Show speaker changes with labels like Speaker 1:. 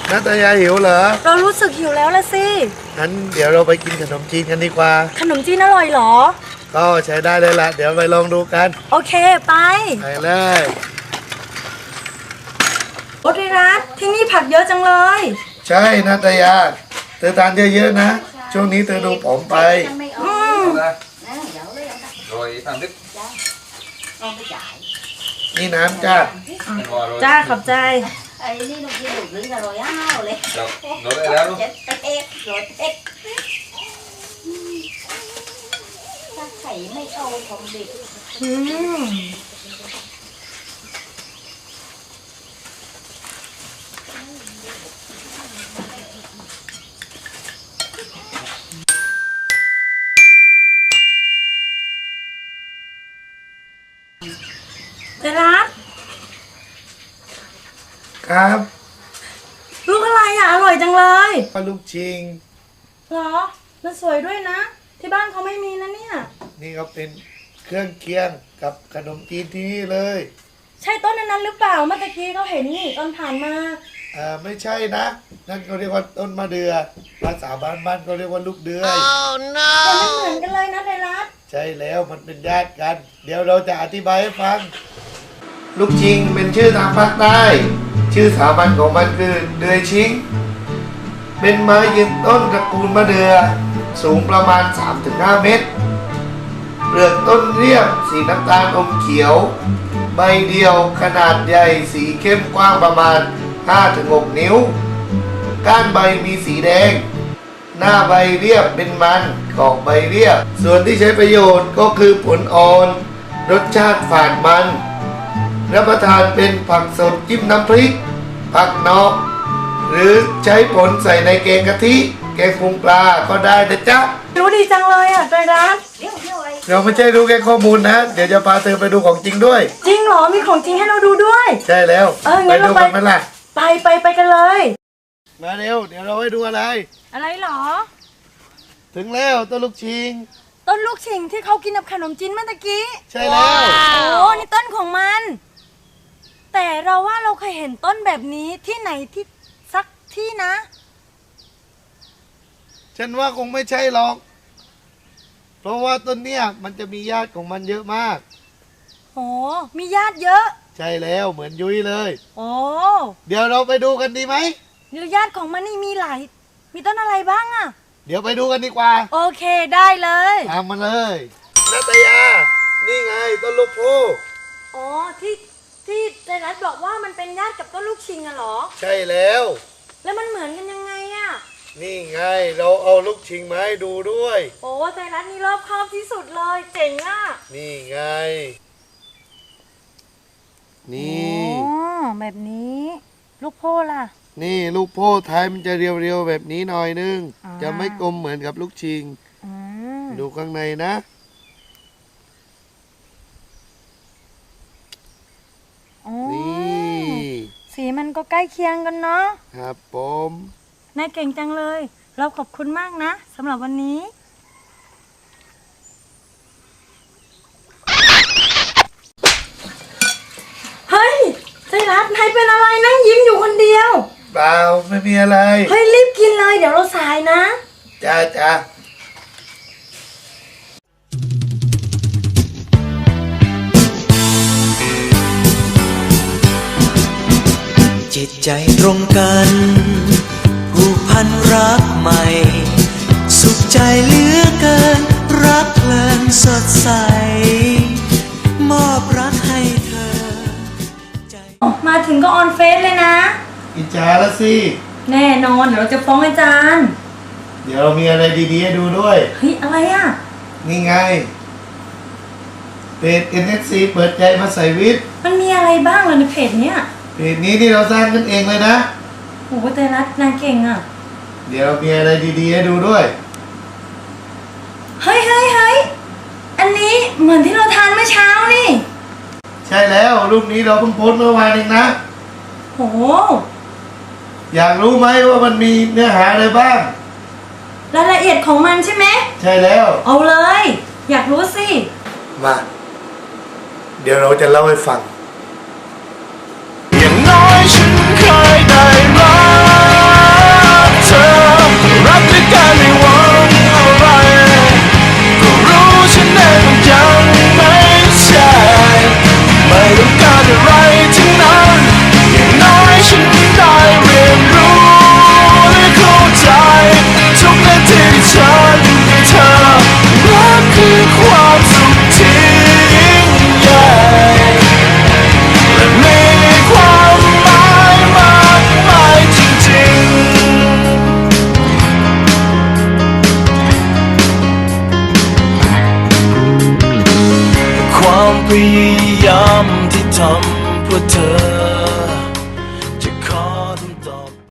Speaker 1: นัตยาหิวเหรอ
Speaker 2: เรารู้สึกหิวแล้วละสิ
Speaker 1: งั้นเดี๋ยวเราไปกินขนมจีนกันดีกว่า
Speaker 2: ขนมจีนอร่อยเหรอ
Speaker 1: ก็ใช้ได้เลยล่ะเดี๋ยวไปลองดูกัน
Speaker 2: โอเคไป
Speaker 1: เลย
Speaker 2: โอเครัตที่นี่ผักเยอะจังเลย
Speaker 1: ใช่นัตยาเธอทานเยอะๆนะช่วงนี้เธอดูผอมไปนี่น้ำจ้า
Speaker 2: จ้าขอบใจ
Speaker 3: ไข่ไม่เอาของเด็ก
Speaker 2: เจรัส
Speaker 1: ครับ
Speaker 2: ลูกอะไรอ่ะอร่อยจังเลย
Speaker 1: ลูกชิง
Speaker 2: เหรอมันสวยด้วยนะที่บ้านเขาไม่มีนะเนี่ย
Speaker 1: นี่ก็เป็นเครื่องเคียงกับขนมจีนที่นี่เลย
Speaker 2: ใช่ต้นนั้นหรือเปล่าเมื่อกี้เขาเห็นนี่ตอนผ่านมา
Speaker 1: ไม่ใช่นะนั่นเขาเรียกว่าต้นมะเดื่อภาษาบ้านเขาเรียกว่าลูกเดือย
Speaker 2: แต่ไม่เหมือนกันเลยนะเดรัส
Speaker 1: ใช่แล้วมันเป็นญาติกันเดี๋ยวเราจะอธิบายให้ฟังลูกชิงเป็นชื่อทางภาคใต้ชื่อสามัญของมันคือเดือยชิงเป็นไม้ยืนต้นตระกูลมะเดื่อสูงประมาณ 3-5 เมตรเปลือกต้นเรียบสีน้ำตาลอมเขียวใบเดียวขนาดใหญ่สีเข้มกว้างประมาณ 5-6 นิ้วก้านใบมีสีแดงหน้าใบเรียบเป็นมันกอกใบเรียบส่วนที่ใช้ประโยชน์ก็คือผลอ่อนรสชาติฝาดมันรับประทานเป็นผักสดจิ้มน้ำพริกผักนอกหรือใช้ผลใส่ในแกงกะทิแกงปรุงปลาก็ได้นะจ๊ะ
Speaker 2: รู้ดีจังเลยอ่ะเจรัส
Speaker 1: เราไม่ใช่รู้แค่ข้อมูลนะเดี๋ยวจะพาเธอไปดูของจริงด้วย
Speaker 2: จริงเหรอมีของจริงให้เราดูด้วย
Speaker 1: ใช่แล้ว
Speaker 2: ไปดูกันไหมล่ะไปกันเลย
Speaker 1: มาเร็วเดี๋ยวเราให้ดูอะไร
Speaker 2: หรอ
Speaker 1: ถึงแล้วต้นลูกชิง
Speaker 2: ต้นลูกชิงที่เขากินกับขนมจีนเมื่อกี้
Speaker 1: ใช่แล้ว
Speaker 2: โอ้นี่ต้นของมันแต่เราว่าเราเคยเห็นต้นแบบนี้ที่ไหนที่สักที่นะ
Speaker 1: ฉันว่าคงไม่ใช่หรอกเพราะว่าต้นเนี้ยมันจะมีญาติของมันเยอะมาก
Speaker 2: โอ้มีญาติเยอะ
Speaker 1: ใช่แล้วเหมือนยุ้ยเลย
Speaker 2: โอ้
Speaker 1: เดี๋ยวเราไปดูกันดีไหม
Speaker 2: ญาติของมันนี่มีต้นอะไรบ้างอะ
Speaker 1: เดี๋ยวไปดูกันดีกว่า
Speaker 2: โอเคได้เลย
Speaker 1: ตามมาเลยนัตยานี่ไงต้นลูกพู
Speaker 2: อ๋อที่ใจรัสบอกว่ามันเป็นญาติกับต้นลูกชิงอะเหรอ
Speaker 1: ใช่แล้ว
Speaker 2: มันเหมือนกันยังไงอะ
Speaker 1: นี่ไงเราเอาลูกชิงมาให้ดูด้วย
Speaker 2: โอ้ใจรัสนี่รอบคอบที่สุดเลยเจ๋งอะ
Speaker 1: นี่ไงนี่
Speaker 2: แบบนี้ลูกโพล่ะ
Speaker 1: นี่ลูกโพท้ายมันจะเรียวๆแบบนี้หน่อยนึงจะไม่กลมเหมือนกับลูกชิงดูข้างในนะ
Speaker 2: นี่สีมันก็ใกล้เคียงกันเนาะ
Speaker 1: ครับผม
Speaker 2: นายเก่งจังเลยเราขอบคุณมากนะสำหรับวันนี้เฮ้ยใจรัสนายเป็นอะไรนั่งยิ้มอยู่คนเดียว
Speaker 1: เปล่าไม่มีอะไร
Speaker 2: เฮ้ยรีบกินเลยเดี๋ยวเราสายนะ
Speaker 1: จ้า
Speaker 4: จิตใจตรงกันผูกพันรักใหม่สุขใจเหลือเกินรักเพลินสดใสมอบรักให้เธอ
Speaker 2: มาถึงก็ออนเฟซเลยนะ
Speaker 1: อิจฉาละสิ
Speaker 2: แน่นอนเดี๋ยวเราจะฟ้องอาจารย์
Speaker 1: เดี๋ยวเรามีอะไรดีๆให้ดูด้วย
Speaker 2: เฮ้ยอะไรอ่ะ
Speaker 1: นี่ไงเพจ NSC เปิดใจมาใส่วิทย์
Speaker 2: มันมีอะไรบ้างล่ะในเพจเนี้ย
Speaker 1: เพจนี้ที่เราสร้างขึ้นเองเลยนะ
Speaker 2: โอ้โหแต่รัฐนางเก่งอ่ะ
Speaker 1: เดี๋ยวมีอะไรดีๆให้ดูด้วย
Speaker 2: เฮ้ยอันนี้เหมือนที่เราทานเมื่อเช้านี่
Speaker 1: ใช่แล้วรูปนี้เราเพิ่งโพสต์เมื่อวานเองนะ
Speaker 2: โอ้
Speaker 1: อยากรู้ไหมว่ามันมีเนื้อหาอะไรบ้าง
Speaker 2: รายละเอียดของมันใช่ไหม
Speaker 1: ใช่แล้ว
Speaker 2: เอาเลยอยากรู้สิ
Speaker 1: มาเดี๋ยวเราจะเล่าให้ฟัง
Speaker 4: อย่างน้อยฉันเคยได้รักพยายามที่ทำเพื่อเธอ